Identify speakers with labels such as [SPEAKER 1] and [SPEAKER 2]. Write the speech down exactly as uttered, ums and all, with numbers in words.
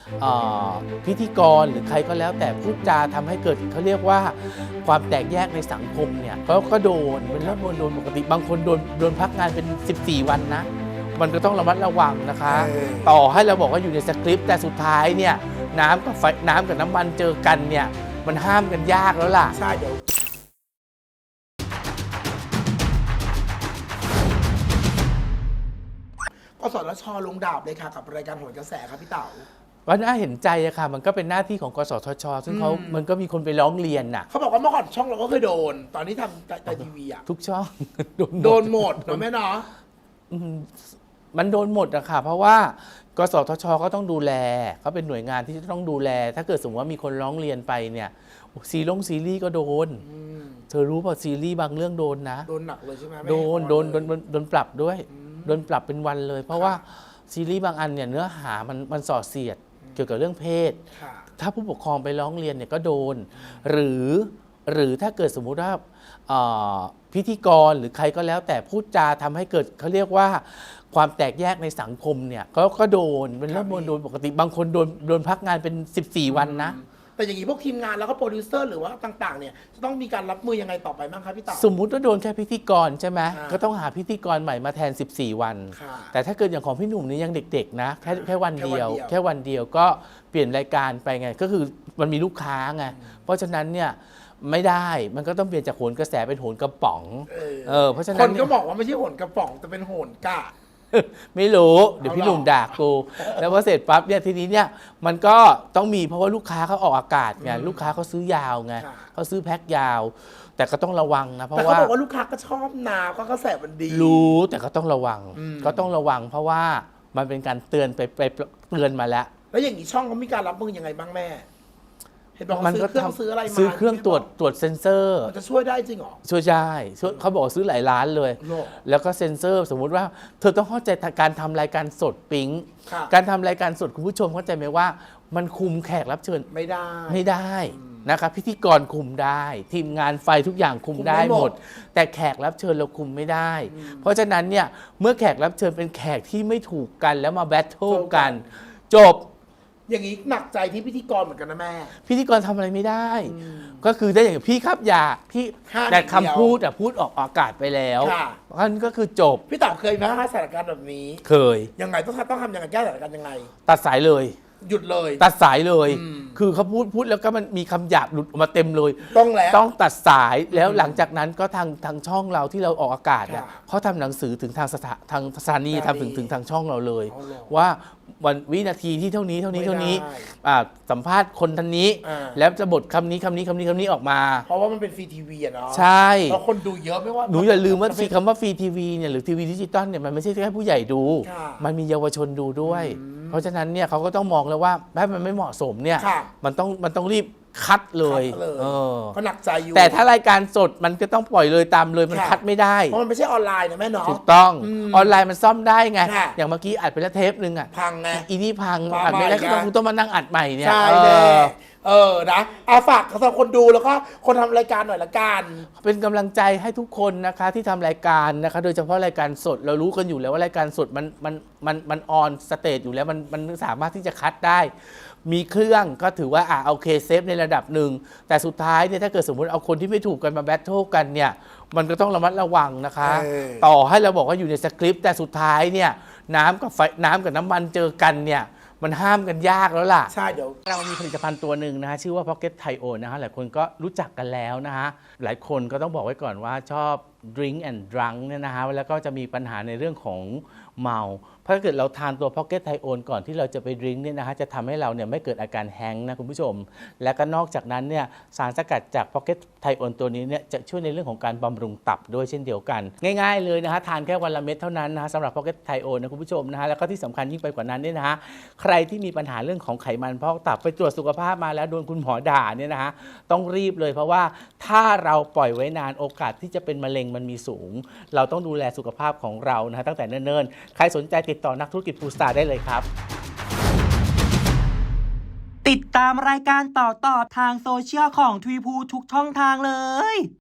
[SPEAKER 1] พิธีกรหรือใครก็แล้วแต่พูดจาทำให้เกิดเขาเรียกว่าความแตกแยกในสังคมเนี่ยเขาก็โดนเป็นเรื่องโดนปกติบางคนโดนโดนพักงานเป็นสิบสี่วันนะมันก็ต้องระมัดระวังนะคะต่อให้เราบอกว่าอยู่ในสคริปต์แต่สุดท้ายเนี่ยน้ำกับไฟน้ำกับน้ำมันเจอกันเนี่ยมันห้ามกันยากแล้วล่ะ
[SPEAKER 2] ใช่เดี๋ยวกสทช.ลงดาบเลยค่ะกับรายการโหนกระแสครับพี่เต๋า
[SPEAKER 1] ก็น่าเห็นใจอะค่ะมันก็เป็นหน้าที่ของกสทช.ซึ่งเขามันก็มีคนไปร้องเรียนน่ะ
[SPEAKER 2] เขาบอกว่าเมื่อก่อนช่องเราก็เคยโดนตอนนี้ทำแต่ทีวีอะ
[SPEAKER 1] ทุกช่อง
[SPEAKER 2] โดนหมดนะแม่เนาะ
[SPEAKER 1] มันโดนหมดอะค่ะเพราะว่ากสทช.ก็ต้องดูแลเขาเป็นหน่วยงานที่จะต้องดูแลถ้าเกิดสมมติว่ามีคนร้องเรียนไปเนี่ยซีรีส์ซีรีส์ก็โดนเธอรู้ป่ะซีรีส์บางเรื่องโดนนะ
[SPEAKER 2] โดนหนักเลยใช่ไหม
[SPEAKER 1] โดนโดนโดนโดนปรับด้วยโดนปรับเป็นวันเลยเพราะว่าซีรีส์บางอันเนี่ยเนื้อหามันมันส่อเสียดเกี่ยวกับเรื่องเพศถ้าผู้ปกครองไปร้องเรียนเนี่ยก็โดนหรือหรือถ้าเกิดสมมุติว่าพิธีกรหรือใครก็แล้วแต่พูดจาทำให้เกิดเขาเรียกว่าความแตกแยกในสังคมเนี่ยก็ก็โดนเป็นเรื่องโดนปกติบางคนโดนโดนพักงานเป็นสิบสี่วันนะ
[SPEAKER 2] แต่อย่างนี้พวกทีมงานแล้วก็โปรดิวเซอร์หรือว่าต่างๆเนี่ยจะต้องมีการรับมือยังไงต่อไปบ้างครับพี่เต๋า
[SPEAKER 1] สมมุติว่าโดนแค่พิธีกรใช่ไหมก็ต้องหาพิธีกรใหม่มาแทนสิบสี่วันแต่ถ้าเกิดอย่างของพี่หนุ่มนี่ยังเด็กๆนะแค่แค่วันเดียวแค่วันเดียวก็เปลี่ยนรายการไปไงก็คือมันมีลูกค้าไงเพราะฉะนั้นเนี่ยไม่ได้มันก็ต้องเปลี่ยนจากโหนกระแสเป็นโหนกระป๋องเออเพราะฉะนั้น
[SPEAKER 2] คนก็บอกว่าไม่ใช่โหนกระป๋องแต่เป็นโหนกะ
[SPEAKER 1] ไม่รู้เดี๋ยวพี่หนุ่มด่ากูแล้วพอเสร็จปั๊บเนี่ยทีนี้เนี่ยมันก็ต้องมีเพราะว่าลูกค้าเขาออกอากาศไงลูกค้าเขาซื้อยาวไงเขาซื้อแพ็คยาวแต่ก็ต้องระวังนะเพราะว่า
[SPEAKER 2] เขาบอกว่าลูกค้าก็ชอบนาก็กระแสมันดี
[SPEAKER 1] รู้แต่ก็ต้องระวังก็ต้องระวังเพราะว่ามันเป็นการเตือนไปไปเตือนมาแล้ว
[SPEAKER 2] แล้วอย่างนี้ช่องเขามีการรับมือยังไงบ้างแม่
[SPEAKER 1] มันก็ทำซื้ออะไรมาซื้อเครื่องตรวจตรวจเซ็นเซอร์
[SPEAKER 2] มันจะช่วยได้จริงหรอ
[SPEAKER 1] ช่วยได้เขาบอกซื้อหลายล้านเลยแล้วก็เซ็นเซอร์สมมุติว่าเธอต้องเข้าใจการทำรายการสดปิ๊งการทำรายการสดคุณผู้ชมเข้าใจไหมว่ามันคุมแขกรับเชิญ
[SPEAKER 2] ไม่ได้
[SPEAKER 1] ไม่ได้นะครับพิธีกรคุมได้ทีมงานไฟทุกอย่างคุมได้หมดแต่แขกรับเชิญเราคุมไม่ได้เพราะฉะนั้นเนี่ยเมื่อแขกรับเชิญเป็นแขกที่ไม่ถูกกันแล้วมาแบทเทิลกันจบ
[SPEAKER 2] อย่างนี้หนักใจที่พิธีกรเหมือนกันนะแม่
[SPEAKER 1] พิธีกรทำอะไรไม่ได้ก็คือได้อย่างพี่ครับอย่าพี่แต่คำพูดแต่พูดออกอากาศไปแล้วนั่นก็คือจบ
[SPEAKER 2] พี่เต๋าเคยไหมคะสถานการณ์แบบนี้
[SPEAKER 1] เคย
[SPEAKER 2] ยังไงต้องต้องทำยังไงแก้สถานการณ์ยังไง
[SPEAKER 1] ตัดสายเลย
[SPEAKER 2] หยุดเลย
[SPEAKER 1] ตัดสายเลยคือเขาพูดพูดแล้วก็มันมีคำหยาบหลุดออกมาเต็มเลย
[SPEAKER 2] ต้องแล้ว
[SPEAKER 1] ต้องตัดสายแล้วหลังจากนั้นก็ทางทางช่องเราที่เราออกอากาศเนี่ยเขาทำหนังสือถึงทางสถาทางสถานีทำถึงถึงทางช่องเราเลยว่าวันวินาทีที่เท่านี้เท่านี้เท่านี้สัมภาษณ์คนท่านนี้แล้วจะบทคำนี้คำนี้คำนี้คำนี้ออกมา
[SPEAKER 2] เพราะว่ามันเป็นฟรีทีวีอะเนาะ
[SPEAKER 1] ใช่
[SPEAKER 2] แล้วคนดูเยอะไม่ว่า
[SPEAKER 1] หนูอย่าลืมว่าฟรีคำว่าฟรีทีวีเนี่ยหรือทีวีดิจิตอลเนี่ยมันไม่ใช่แค่ผู้ใหญ่ดูมันมีเยาวชนดูด้วยเพราะฉะนั้นเนี่ยเขาก็ต้องมองแล้วว่าถ้ามันไม่เหมาะสมเนี่ยมันต้องมันต้องรีบคัดเลย
[SPEAKER 2] ก็หนักใจอยู่
[SPEAKER 1] แต่ถ้ารายการสดมันก็ต้องปล่อยเลยตามเลยมันคัดไม่ได้
[SPEAKER 2] เพราะมันไม่ใช่ออนไลน์นะแม่เนาะ
[SPEAKER 1] ถูกต้องออนไลน์มันซ่อมได้ไงอย่างเมื่อกี้อัดไปแล้วเทปนึงอ่ะ
[SPEAKER 2] พังไง
[SPEAKER 1] อีนี่พังอัดไม่ได้ก็ต้องต้องมานั่งอัดใหม่เนี่ย
[SPEAKER 2] ใช่เลยเออนะอาฝากสำหรับคนดูแล้วก็คนทำรายการหน่อยละกัน
[SPEAKER 1] เป็นกำลังใจให้ทุกคนนะคะที่ทำรายการนะคะโดยเฉพาะรายการสดเรารู้กันอยู่แล้วว่ารายการสดมันมันมันมันออนสเตจอยู่แล้วมันมันสามารถที่จะคัดได้มีเครื่องก็ถือว่าอ่ะโอเคเซฟในระดับหนึ่งแต่สุดท้ายเนี่ยถ้าเกิดสมมติเอาคนที่ไม่ถูกกันมาแบทเทิลกันเนี่ยมันก็ต้องระมัดระวังนะคะต่อให้เราบอกว่าอยู่ในสคริปต์แต่สุดท้ายเนี่ยน้ำกับไฟน้ำกับน้ำมันเจอกันเนี่ยมันห้ามกันยากแล้วล่ะ
[SPEAKER 2] ใช่เดี๋ยว
[SPEAKER 1] เรามีผลิตภัณฑ์ตัวหนึ่งนะฮะชื่อว่า Pocket Thio นะฮะหลายคนก็รู้จักกันแล้วนะฮะหลายคนก็ต้องบอกไว้ก่อนว่าชอบ Drink and Drunk เนี่ยนะฮะแล้วก็จะมีปัญหาในเรื่องของเมาเพราะถ้าเกิดเราทานตัว Pocket Thio ก่อนที่เราจะไปดริงก์เนี่ยนะฮะจะทำให้เราเนี่ยไม่เกิดอาการแฮงก์นะคุณผู้ชมและก็นอกจากนั้นเนี่ยสารสกัดจาก Pocket Thio ตัวนี้เนี่ยจะช่วยในเรื่องของการบำรุงตับด้วยเช่นเดียวกันง่ายๆเลยนะฮะทานแค่วันละเม็ดเท่านั้นนะฮะสำหรับ Pocket Thio นะคุณผู้ชมนะฮะแล้วก็ที่สำคัญยิ่งไปกว่านั้นเนี่ยนะฮะใครที่มีปัญหาเรื่องของไขมันพอกตับไปตรวจสุขภาพมาแล้วโดนคุณหมอด่าเนี่ยนะฮะต้องรีบเลยเพราะว่าถ้าเราปล่อยไว้นานโอกาสที่จะเป็นมะเร็งมันมีสูงเราต้องดูแลสุขภาพของเรานะฮะตั้งแต่เนิ่นๆใครสนใจติดต่อนักธุรกิจฟูสตาร์ได้เลยครับ
[SPEAKER 3] ติดตามรายการต่อๆทางโซเชียลของทวีพูทุกช่องทางเลย